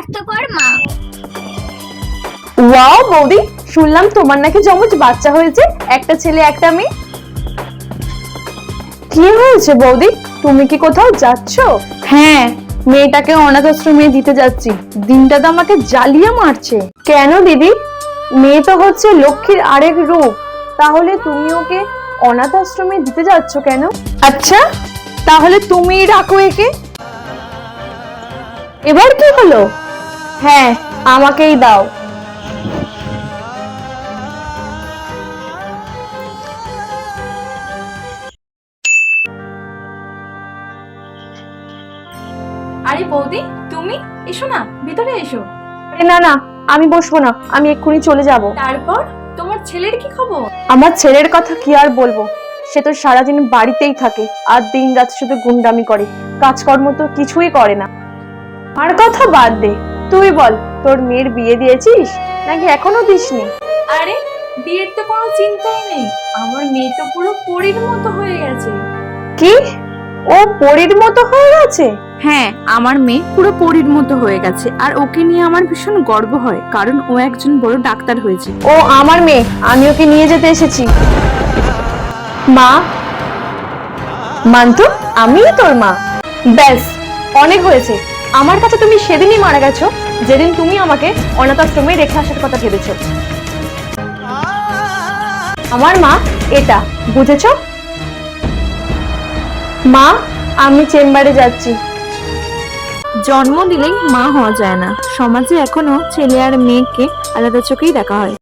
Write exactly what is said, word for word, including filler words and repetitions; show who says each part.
Speaker 1: স্বাস্থ্যকর মা।
Speaker 2: ওয়াও বৌদি, শুনলাম তোমার নাকি জমজ বাচ্চা হয়েছে, একটা ছেলে একটা মেয়ে। কি হয়েছে বৌদি, তুমি কি কোথাও যাচ্ছ? হ্যাঁ, মেয়েটাকে অনাথ আশ্রমে দিতে যাচ্ছি। দিনটা তো আমাকে জ্বালিয়ে মারছে। কেন দিদি? মেয়ে তো হচ্ছে লক্ষ্মীর আরেক রূপ, তাহলে তুমি ওকে অনাথ আশ্রমে দিতে যাচ্ছ কেন? আচ্ছা, তাহলে তুমি রাখো একে। এবার কি হলো? হ্যাঁ, আমাকেই দাও।
Speaker 3: আরে বৌদি, তুমি এসো না, ভিতরে এসো।
Speaker 2: আরে না না, আমি বসবো না, আমি এক্ষুনি চলে যাব।
Speaker 3: তারপর তোমার ছেলের কি খবর?
Speaker 2: আমার ছেলের কথা কি আর বলবো, সে তো সারাদিন বাড়িতেই থাকে আর দিন রাত শুধু গুন্ডামি করে, কাজকর্ম তো কিছুই করে না। আর কথা বাদ দে, তুই বল, তোর মেয়ের বিয়ে দিয়েছিস নাকি এখনো দিসনি?
Speaker 3: আরে বিয়ের তো কোনো চিন্তাই নেই, আমার মেয়ে তো পুরো পরীর মতো হয়ে গেছে।
Speaker 2: কি? ও পরীর মতো হয়ে গেছে?
Speaker 3: হ্যাঁ, আমার মেয়ে পুরো পরীর মতো হয়ে গেছে, আর ওকে নিয়ে আমার ভীষণ গর্ব হয়, কারণ ও একজন বড় ডাক্তার হয়েছে।
Speaker 2: ও আমার মেয়ে, আমি ওকে নিয়ে যেতে এসেছি। মা, মান্তু, আমিই তোর মা। ব্যাস, অনেক হয়েছে। আমার কাছে তুমি সেদিনই মারা গেছো যেদিন তুমি আমাকে অনাথ আশ্রমে রেখে আসার কথা ভেবেছো। আমার মা এটা, বুঝেছো? মা, আমি চেম্বারে যাচ্ছি।
Speaker 3: জন্ম দিলেই মা হওয়া যায় না, সমাজে এখনো ছেলে আর মেয়েকে আলাদা চোখেই দেখা হয়।